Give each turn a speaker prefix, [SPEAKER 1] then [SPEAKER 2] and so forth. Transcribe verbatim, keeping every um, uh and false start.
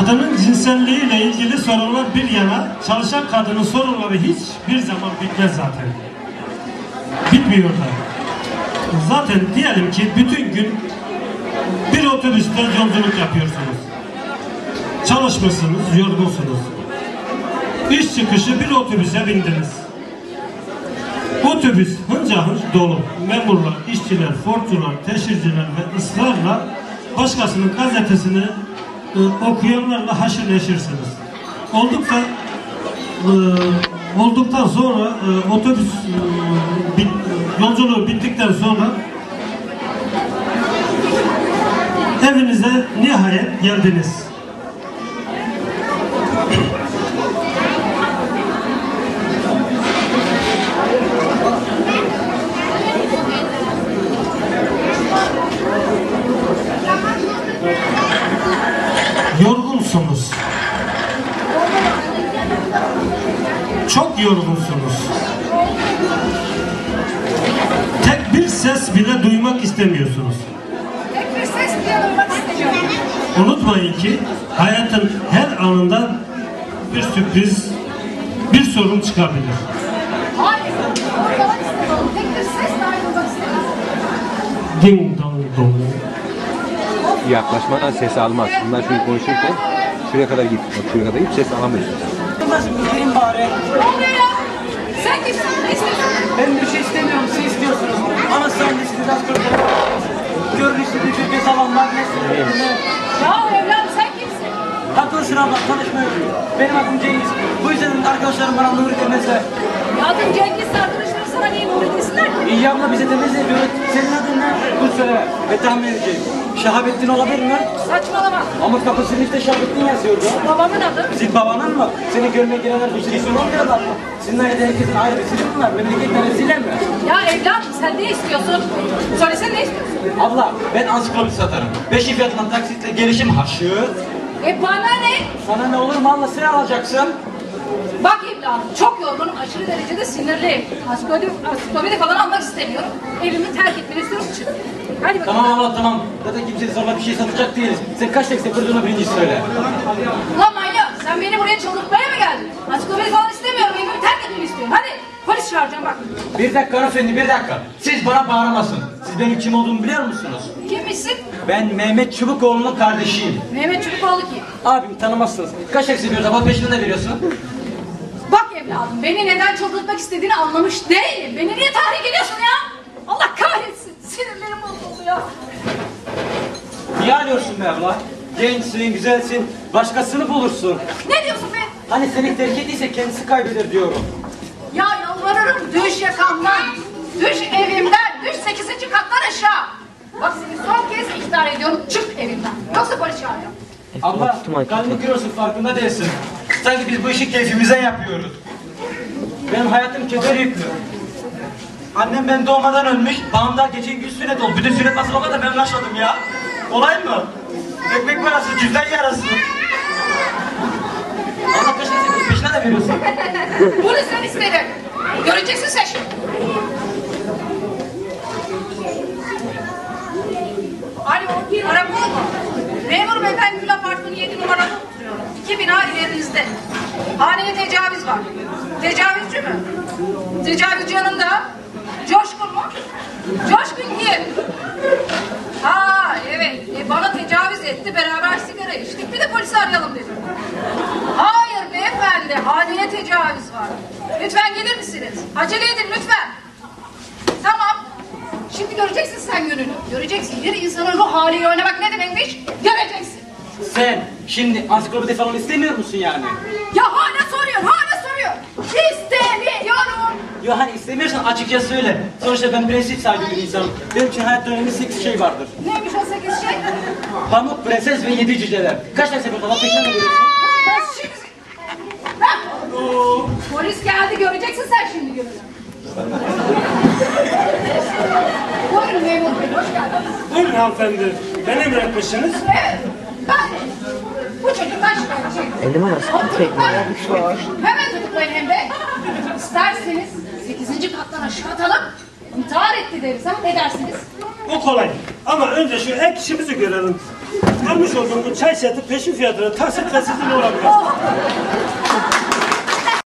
[SPEAKER 1] Kadının cinselliğiyle ilgili sorunlar bir yana, çalışan kadının sorunları hiçbir zaman bitmez zaten. Bitmiyor da. Zaten diyelim ki bütün gün bir otobüste yolculuk yapıyorsunuz. Çalışmışsınız, yorgunsunuz. İş çıkışı bir otobüse bindiniz. Otobüs hınca hınç dolu. Memurlar, işçiler, fortular, teşhirciler ve ısrarla başkasının gazetesini e, okuyanlarla haşır neşirsiniz. Oldukça e, olduktan sonra e, otobüs e, bit, yolculuğu bittikten sonra evinize nihayet geldiniz. Yorgunsunuz. Çok yorgunsunuz. Tek bir ses bile duymak istemiyorsunuz.
[SPEAKER 2] Tek bir ses bile duymak istemiyorum.
[SPEAKER 1] Unutmayın ki hayatın her anında bir sürpriz, bir sorun çıkabilir.
[SPEAKER 2] Hayır, duymak istemiyorum. Tek bir ses dahi duymak istemiyorum.
[SPEAKER 1] Ding dong dong.
[SPEAKER 3] Yaklaşmadan ses almaz. Bundan şöyle konuşurken şuraya kadar git. Bak şuraya kadar git, ses alamıyorsun.
[SPEAKER 4] Nasıl gelin bari?
[SPEAKER 2] Ne oluyor ya? Sen kimsin? Ne istiyorsun?
[SPEAKER 4] Ben bir şey istemiyorum, siz istiyorsunuz. Ama sen de siz az önce görünüşte bir bir zaman var.
[SPEAKER 2] Ya evladım sen kimsin?
[SPEAKER 4] Haklısın abla, tanışmıyoruz. Benim adım Cengiz. Bu yüzden arkadaşlarım bana Nuri demezler.
[SPEAKER 2] Ya adım Cengiz, arkadaşlarım sana niye Nuri desinler ki?
[SPEAKER 4] İyi abla bize demez yapıyor. Senin adın ne? Dur söyle ve tahmin edeceğim. Şahabettin olabilir mi?
[SPEAKER 2] Saçmalama.
[SPEAKER 4] Ama kapısının işte Şahabettin yazıyordu.
[SPEAKER 2] Babamın adı.
[SPEAKER 4] Sizin babanın mı? Seni görmeye gelenler bir şey sormuyorlar mı? Sizin ailede herkesin ayrı bir zili mi var? Memleketten zile mi?
[SPEAKER 2] Ya evladım sen ne istiyorsun? Söylesene ne istiyorsun?
[SPEAKER 4] Abla ben ansiklopedi satarım. Beşi fiyatından taksitle gelişim haşır.
[SPEAKER 2] E bana ne?
[SPEAKER 4] Sana ne olur mu abla, sen alacaksın.
[SPEAKER 2] Bak evladım çok yorgunum, aşırı derecede sinirliyim. Ansiklopedi, ansiklopedi falan almak istemiyorum. Evimi terk etmeni istiyorum, çık. Hadi bakalım.
[SPEAKER 4] Tamam abla tamam. Zaten kimseye zorla bir şey satacak değiliz. Sen kaç tek seferduğunu birinci söyle.
[SPEAKER 2] Ulan manyak, sen beni buraya çıldırtmaya mı geldin? Ansiklopedi falan istemiyorum, evimi terk etmeni istiyorum. Hadi polis çağıracağım bak.
[SPEAKER 4] Bir dakika hanımefendi, bir dakika. Siz bana bağıramazsın. Siz benim kim olduğumu biliyor musunuz?
[SPEAKER 2] Kimmişsin?
[SPEAKER 4] Ben Mehmet Çubukoğlu'nun kardeşiyim.
[SPEAKER 2] Mehmet Çubukoğlu kim?
[SPEAKER 4] Abim tanımazsınız. Kaç tek seviyoruz abla, peşine ne veriyorsun?
[SPEAKER 2] Bak evladım, beni neden çıldırtmak istediğini anlamış değilim. Beni niye tahrik ediyorsun ya? Allah kahretsin, sinirlerim bozuldu ya.
[SPEAKER 4] Niye ağlıyorsun be abla? Gençsin, güzelsin. Başkasını bulursun.
[SPEAKER 2] Ne diyorsun be?
[SPEAKER 4] Hani seni terk ettiyse kendisi kaybeder diyorum.
[SPEAKER 2] Ya yalvarırım, düş yakamdan. Düş evimden, düş sekizinci kattan aşağı. Bak seni son kez ihtar ediyorum, çık evimden. Yoksa polis çağıracağım.
[SPEAKER 4] Abla, kalbini kırıyorsun, farkında değilsin. Sanki biz bu işi keyfimize yapıyoruz. Benim hayatım keder yüklü. Annem ben doğmadan ölmüş, babam daha geçen gün sünnet oldu. Bütün sünnet nasıl olmadı da ben ulaşmadım ya. Olay mı? Ekmek parası, cüzdan yarası. Allah peşine sen peşine de veriyorsun.
[SPEAKER 2] Bunu sen istedin. Göreceksin sen şimdi. Alo, karakol mu? Memur bey, ben Gül Apartmanı yedi numarada oturuyorum. İki bina ilerinizde. Haneye tecavüz var. Tecavüzcü mü? Tecavüzcü yanında. Coşkun mu? Coşkun kim? Ha evet, e, bana tecavüz etti, beraber sigara içtik, bir de polisi arayalım dedim. Hayır beyefendi, haneye tecavüz var. Lütfen gelir misiniz? Acele edin lütfen. Tamam. Şimdi göreceksin sen gününü. Göreceksin. Bir insanın ruh haliyle oynamak ne demekmiş? Göreceksin.
[SPEAKER 4] Sen şimdi ansiklopedi falan istemiyor musun yani?
[SPEAKER 2] Ya hala soruyor, hala soruyor. İstemiyorum.
[SPEAKER 4] Ya hani istemiyorsan açıkça söyle. Sonuçta ben prensip sahibi bir insanım. Benim için hayatta önemli sekiz şey vardır.
[SPEAKER 2] Neymiş o sekiz şey?
[SPEAKER 4] Pamuk, prenses ve yedi cüceler. Kaç tane sefer daha peşine mi veriyorsun?
[SPEAKER 2] Ben şimdi... Ha? Polis geldi, göreceksin sen şimdi gününü. Buyurun memur bey, hoş geldiniz.
[SPEAKER 1] Buyurun hanımefendi. Ben emretmişsiniz.
[SPEAKER 2] Evet, ben bu çocuktan şikayetçiyim.
[SPEAKER 3] Elime nasıl tekmeler?
[SPEAKER 2] Hemen tutuklayın hem de. İsterseniz sekizinci kattan aşağı atalım. İntihar etti deriz ha, ne dersiniz?
[SPEAKER 1] O kolay. Ama önce şu ek işimizi görelim. Almış olduğum bu çay seti peşin fiyatına taksitle sizin olabilir.
[SPEAKER 2] Oh,